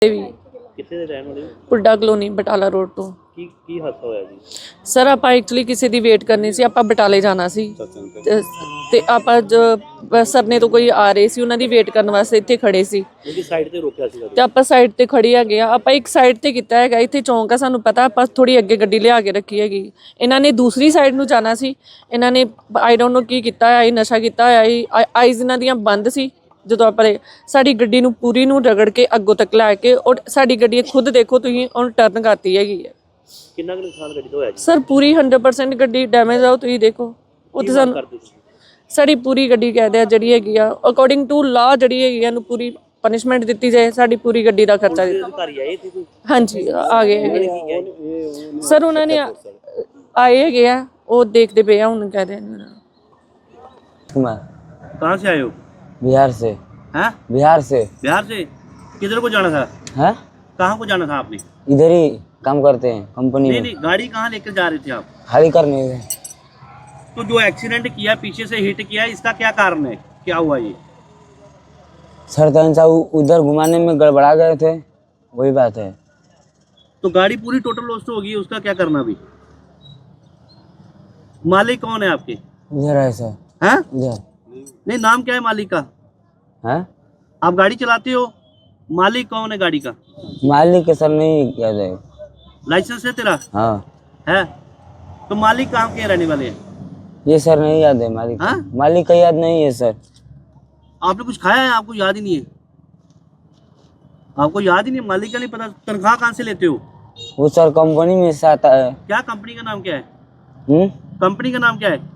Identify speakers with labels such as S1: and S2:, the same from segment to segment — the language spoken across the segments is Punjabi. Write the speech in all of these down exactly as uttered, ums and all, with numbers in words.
S1: ਵੀ
S2: ਕਿੱਥੇ ਦੇ ਰਹਿਣ ਵਾਲੇ?
S1: ਪੁੱਡਾ ਕਲੋਨੀ ਬਟਾਲਾ ਰੋਡ ਤੋਂ।
S2: ਕੀ ਕੀ ਹਾਦਸਾ ਹੋਇਆ ਜੀ?
S1: ਸਰ ਆਪਾਂ ਐਕਚੁਅਲੀ ਕਿਸੇ ਦੀ ਵੇਟ ਕਰਨੀ ਸੀ, ਆਪਾਂ ਬਟਾਲੇ ਜਾਣਾ ਸੀ ਤੇ- ਤੇ ਆਪਾਂ ਜ- ਸਰਨੇ ਤੋਂ ਕੋਈ ਆ ਰਹੇ ਸੀ, ਉਹਨਾਂ ਦੀ ਵੇਟ ਕਰਨ ਵਾਸਤੇ ਇੱਥੇ ਖੜੇ ਸੀ
S2: ਉਹਦੀ ਸਾਈਡ ਤੇ ਰੋਕਿਆ ਸੀਗਾ
S1: ਤੇ ਆਪਾਂ ਸਾਈਡ ਤੇ ਖੜੀ ਹੈਗੇ ਆ। ਆਪਾਂ ਇੱਕ ਸਾਈਡ ਤੇ ਕੀਤਾ ਹੈਗਾ, ਇੱਥੇ ਚੌਂਕ ਆ, ਸਾਨੂੰ ਪਤਾ ਆਪਾਂ ਥੋੜੀ ਅੱਗੇ ਗੱਡੀ ਲਿਆ ਕੇ ਰੱਖੀ ਹੈਗੀ। ਇਹਨਾਂ ਨੇ ਦੂਸਰੀ ਸਾਈਡ ਨੂੰ ਜਾਣਾ ਸੀ, ਇਹਨਾਂ ਨੇ ਆਈ ਡੋਂਟ ਨੋ ਕੀ ਕੀਤਾ ਹੈ, ਨਸ਼ਾ ਕੀਤਾ ਹੋਇਆ, ਆਈਜ਼ ਇਹਨਾਂ ਦੀਆਂ ਬੰਦ ਸੀ। ਜਦੋਂ ਆਪਾਂ ਸਾਡੀ ਗੱਡੀ ਨੂੰ ਪੂਰੀ ਨੂੰ ਰਗੜ ਕੇ ਅੱਗੋਂ ਤੱਕ ਲੈ ਕੇ, ਔਰ ਸਾਡੀ ਗੱਡੀ ਖੁਦ ਦੇਖੋ ਤੁਸੀਂ ਉਹਨੂੰ ਟਰਨ ਕਰਤੀ ਹੈਗੀ ਹੈ।
S2: ਕਿੰਨਾ ਕੁ ਨੁਕਸਾਨ ਗੱਡੀ ਦਾ ਹੋਇਆ ਜੀ?
S1: ਸਰ ਪੂਰੀ ਹੰਡਰਡ ਪਰਸੈਂਟ ਗੱਡੀ ਡੈਮੇਜ ਆ, ਤੁਸੀਂ ਦੇਖੋ ਉੱਥੇ ਸਾਨੂੰ ਸਾਡੀ ਪੂਰੀ ਗੱਡੀ ਕਹਿ ਦਿਆ ਜਿਹੜੀ ਹੈਗੀ ਆ ਅਕੋਰਡਿੰਗ ਟੂ ਲਾ ਜਿਹੜੀ ਹੈਗੀ ਇਹਨੂੰ ਪੂਰੀ ਪਨਿਸ਼ਮੈਂਟ ਦਿੱਤੀ ਜਾਏ, ਸਾਡੀ ਪੂਰੀ ਗੱਡੀ ਦਾ ਖਰਚਾ ਦਿੱਤਾ।
S2: ਅਧਿਕਾਰੀ ਆਏ ਸੀ ਕੋਈ?
S1: ਹਾਂਜੀ ਆ ਗਏ ਹੈਗੇ ਸਰ, ਉਹਨਾਂ ਨੇ ਆਏ ਹੈਗੇ ਆ, ਉਹ ਦੇਖਦੇ ਪਏ ਆ ਹੁਣ ਕਹਿ ਰਹੇ ਨੇ।
S2: कहाँ से आए हो?
S3: बिहार से।
S2: हैं?
S3: बिहार से।
S2: बिहार से किधर को जाना था?
S3: है?
S2: कहाँ को जाना था आपने?
S3: इधर ही काम करते हैं कंपनी
S2: नहीं
S3: में।
S2: नहीं, गाड़ी कहाँ लेकर जा रहे थे आप?
S3: खाली करने गए।
S2: तो जो एक्सीडेंट किया, पीछे से हिट किया, इसका क्या कारण है? क्या हुआ ये?
S3: सर तन सा उधर घुमाने में गड़बड़ा गए थे, वही बात है।
S2: तो गाड़ी पूरी टोटल लॉस्ट होगी, उसका क्या करना अभी? मालिक कौन है आपके?
S3: उधर है सर।
S2: हैं?
S3: उधर।
S2: नहीं, नाम क्या है मालिक का?
S3: है?
S2: आप गाड़ी चलाते हो, मालिक कौन है गाड़ी का?
S3: मालिक के सर नहीं याद है।
S2: लाइसेंस है तेरा?
S3: हाँ।
S2: है? तो मालिक कहाँ के रहने वाले हैं?
S3: ये सर नहीं याद है मालिक।
S2: हाँ?
S3: मालिक का याद नहीं है सर।
S2: आपने कुछ खाया है, आपको याद ही नहीं है? आपको याद ही नहीं, मालिक का नहीं पता? तनख्वाह कहाँ से लेते हो?
S3: वो सर कंपनी में से आता है।
S2: क्या कंपनी का नाम क्या है?
S3: हम्म?
S2: कंपनी का नाम क्या है?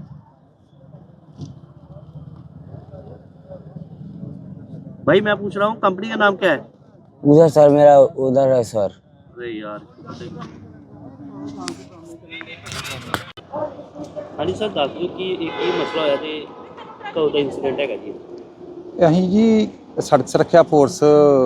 S2: भाई मैं पूछ रहा हूँ, कंपनी का नाम क्या है?
S3: उधर सर मेरा उधर है सर।
S2: अरे यार हाँ जी सर, दस दो कि एक ही मसला होया ते कदों दा इंसीडेंट हैगा जी?
S4: ਅਸੀਂ ਜੀ ਸੜਕ ਸੁਰੱਖਿਆ ਫੋਰਸ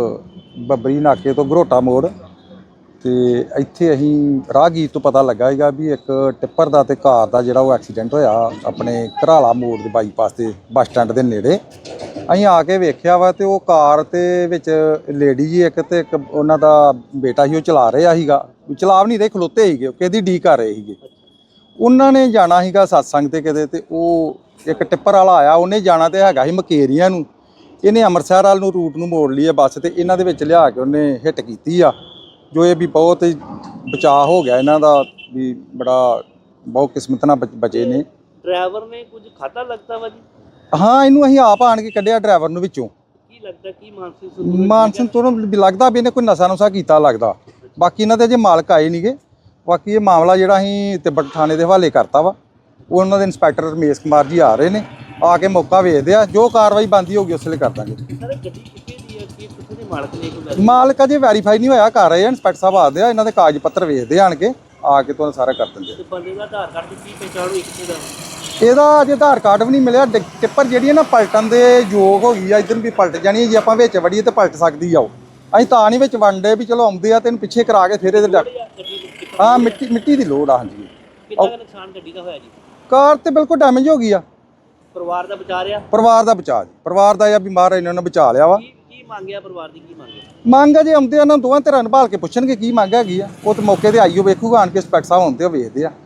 S4: ਬੱਬਰੀ ਨਾਕੇ ਤੋਂ ਘਰੋਟਾ ਮੋੜ ਤੇ ਇੱਥੇ ਅਸੀਂ ਰਾਹਗੀਰ ਤੋਂ ਪਤਾ ਲੱਗਾ ਹੈਗਾ ਵੀ ਇੱਕ ਟਿੱਪਰ ਦਾ ਤੇ ਕਾਰ ਦਾ ਜਿਹੜਾ ਉਹ ਐਕਸੀਡੈਂਟ ਹੋਇਆ ਆਪਣੇ ਘਰਾਲਾ ਮੋੜ ਦੇ ਬਾਈਪਾਸ ਤੇ ਬੱਸ ਸਟੈਂਡ ਦੇ ਨੇੜੇ। ਅਸੀਂ ਆ ਕੇ ਵੇਖਿਆ ਵਾ ਤੇ ਉਹ ਕਾਰ ਤੇ ਵਿੱਚ ਲੇਡੀ ਜੀ ਇੱਕ ਤੇ ਇੱਕ ਉਹਨਾਂ ਦਾ ਬੇਟਾ ਸੀ, ਉਹ ਚਲਾ ਰਿਹਾ ਸੀਗਾ, ਚਲਾ ਵੀ ਨਹੀਂ ਰਹੇ, ਖਲੋਤੇ ਸੀਗੇ, ਕਿਹਦੀ ਡੀ ਕਰ ਰਹੇ ਸੀਗੇ। ਉਹਨਾਂ ਨੇ ਜਾਣਾ ਸੀਗਾ ਸਤਸੰਗ ਤੇ ਕਿਤੇ, ਤੇ ਉਹ ਇੱਕ ਟਿੱਪਰ ਵਾਲਾ ਆਇਆ, ਉਹਨੇ ਜਾਣਾ ਤੇ ਹੈਗਾ ਸੀ ਮਕੇਰੀਆਂ ਨੂੰ, ਇਹਨੇ ਅੰਮ੍ਰਿਤਸਰ ਵੱਲ ਨੂੰ ਰੂਟ ਨੂੰ ਮੋੜ ਲਈ ਹੈ ਬੱਸ, ਤੇ ਇਹਨਾਂ ਦੇ ਵਿੱਚ ਲਿਆ ਕੇ ਉਹਨੇ ਹਿੱਟ ਕੀਤੀ ਆ, ਜੋ ਇਹ ਵੀ ਬਹੁਤ ਬਚਾਅ ਹੋ ਗਿਆ ਇਹਨਾਂ ਦਾ, ਵੀ ਬੜਾ ਬਹੁਤ ਕਿਸਮਤ ਨਾਲ ਬਚੇ ਨੇ।
S2: ਡਰਾਈਵਰ ਨੇ ਕੁਝ ਖਾਤਾ ਲੱਗਦਾ ਵਾ ਜੀ?
S4: ਹਾਂ, ਇਹਨੂੰ ਅਸੀਂ ਆਪ ਆਣ ਕੇ ਕੱਢਿਆ ਡਰਾਈਵਰ ਨੂੰ ਵਿੱਚੋਂ।
S2: ਕੀ ਲੱਗਦਾ ਕੀ ਮਾਨਸਿਕ
S4: ਮਾਨਸਨ ਤੋਂ ਲੱਗਦਾ ਵੀ ਇਹਨੇ ਕੋਈ ਨਸ਼ਾ ਨੁਸ਼ਾ ਕੀਤਾ ਲੱਗਦਾ। ਬਾਕੀ ਇਹਨਾਂ ਦੇ ਅਜੇ ਮਾਲਕ ਆਏ ਨਹੀਂਗੇ। ਬਾਕੀ ਇਹ ਮਾਮਲਾ ਜਿਹੜਾ ਅਸੀਂ ਤਿੱਬਤ ਥਾਣੇ ਦੇ ਹਵਾਲੇ ਕਰਤਾ ਵਾ, ਉਹ ਉਹਨਾਂ ਦੇ ਇੰਸਪੈਕਟਰ ਰਮੇਸ਼ ਕੁਮਾਰ ਜੀ ਆ ਰਹੇ ਨੇ, ਆ ਕੇ ਮੌਕਾ ਵੇਖਦੇ ਆ, ਜੋ ਕਾਰਵਾਈ ਬਣਦੀ ਹੋਊਗੀ ਉਸ ਵੇਲੇ ਕਰ ਦਾਂਗੇ।
S2: ਸਰ ਗੱਡੀ ਕਿੱਥੇ ਦੀ ਹੈ, ਕੀ ਕਿੱਥੇ ਦੇ ਮਾਲਕ ਨੇ? ਇੱਕ
S4: ਮਾਲਕ ਅਜੇ ਵੈਰੀਫਾਈ ਨਹੀਂ ਹੋਇਆ, ਕਰ ਰਹੇ ਆ, ਇੰਸਪੈਕਟਰ ਸਾਹਿਬ ਆਦੇ ਆ, ਇਹਨਾਂ ਦੇ ਕਾਗਜ਼ ਪੱਤਰ ਵੇਖਦੇ ਆਣ ਕੇ, ਆ ਕੇ ਤੁਹਾਨੂੰ ਸਾਰਾ ਕਰ ਦਿੰਦੇ
S2: ਤੇ ਬੰਦੇ ਦਾ ਆਧਾਰ ਕਾਰਡ ਦੀ ਕੀ ਪਹਿਚਾਣ ਹੋਈ ਕਿੱਥੇ ਦਾ?
S4: ਇਹਦਾ ਅਜੇ ਆਧਾਰ ਕਾਰਡ ਵੀ ਨਹੀਂ ਮਿਲਿਆ। ਟਿੱਪਰ ਜਿਹੜੀ ਹੈ ਨਾ ਪਲਟਣ ਦੇ ਯੋਗ ਹੋ ਗਈ ਆ, ਇੱਧਰ ਵੀ ਪਲਟ ਜਾਣੀ ਹੈ, ਜੇ ਆਪਾਂ ਵਿੱਚ ਵੜੀਏ ਤੇ ਪਲਟ ਸਕਦੀ ਆ। ਉਹ ਅਸੀਂ ਤਾਂ ਨਹੀਂ ਵਿੱਚ ਵੰਡੇ ਵੀ ਚਲੋ ਆਉਂਦੇ ਆ ਤੈਨੂੰ ਪਿੱਛੇ ਕਰਾ ਕੇ ਫਿਰ ਇਹਦੇ ਡੱਕ। ਹਾਂ, ਮਿੱਟੀ ਮਿੱਟੀ ਦੀ ਲੋੜ ਆ। ਹਾਂਜੀ।
S2: ਕਿੰਨਾ ਕੁ ਨੁਕਸਾਨ ਗੱਡੀ ਦਾ ਹੋਇਆ ਜੀ?
S4: ਕਾਰ ਤੇ ਬਿਲਕੁਲ ਡੈਮੇਜ ਹੋ ਗਈ ਆ।
S2: ਪਰਿਵਾਰ ਦਾ ਬਚਾ ਰਿਹਾ?
S4: ਪਰਿਵਾਰ ਦਾ ਬਚਾ ਜੀ, ਪਰਿਵਾਰ ਦਾ ਜਾਂ ਬਿਮਾਰ ਇਹਨਾਂ ਨੇ ਬਚਾ ਲਿਆ ਵਾ।
S2: ਕੀ ਕੀ ਮੰਗਿਆ ਪਰਿਵਾਰ ਦੀ, ਕੀ ਮੰਗਿਆ?
S4: ਮੰਗ ਆ ਜੇ ਆਉਂਦੇ ਆ ਨਾ ਦੋਵਾਂ ਧਿਰਾਂ ਨੂੰ ਭਾਲ ਕੇ ਪੁੱਛਣਗੇ ਕੀ ਮੰਗ ਹੈਗੀ ਆ, ਉਹ ਤੇ ਮੌਕੇ ਤੇ ਆਈਓ ਵੇਖੂਗਾ ਆਣ ਕੇ, ਇੰਸਪੈਕਟਰ ਸਾਹਿਬ ਆਉਂਦੇ ਆ ਵੇਖਦੇ ਆ।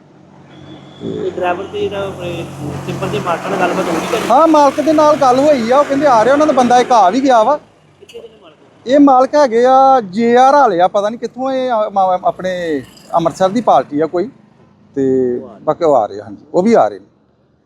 S2: ਤੇ ਡਰਾਈਵਰ ਤੇ ਜਿਹੜਾ ਟਿੱਪਰ ਦੇ ਮਾਲਕ ਨਾਲ ਗੱਲਬਾਤ ਹੋਈ ਕਰੀ?
S4: ਹਾਂ, ਮਾਲਕ ਦੇ ਨਾਲ ਗੱਲ ਹੋਈ ਆ, ਉਹ ਕਹਿੰਦੇ ਆ ਰਿਹਾ, ਉਹਨਾਂ ਦਾ ਬੰਦਾ ਇੱਕ ਆ ਵੀ ਗਿਆ ਵਾ।
S2: ਕਿੱਥੇ ਦੇ ਨੇ ਮਾਲਕ?
S4: ਇਹ ਮਾਲਕ ਹੈਗੇ ਆ ਜੇ ਆਰ ਵਾਲੇ ਆ, ਪਤਾ ਨਹੀਂ ਕਿੱਥੋਂ, ਇਹ ਆਪਣੇ ਅੰਮ੍ਰਿਤਸਰ ਦੀ ਪਾਰਟੀ ਆ ਕੋਈ, ਤੇ ਬਾਕੀ ਉਹ ਆ ਰਹੇ। ਹਾਂਜੀ, ਉਹ ਵੀ ਆ ਰਹੇ ਨੇ।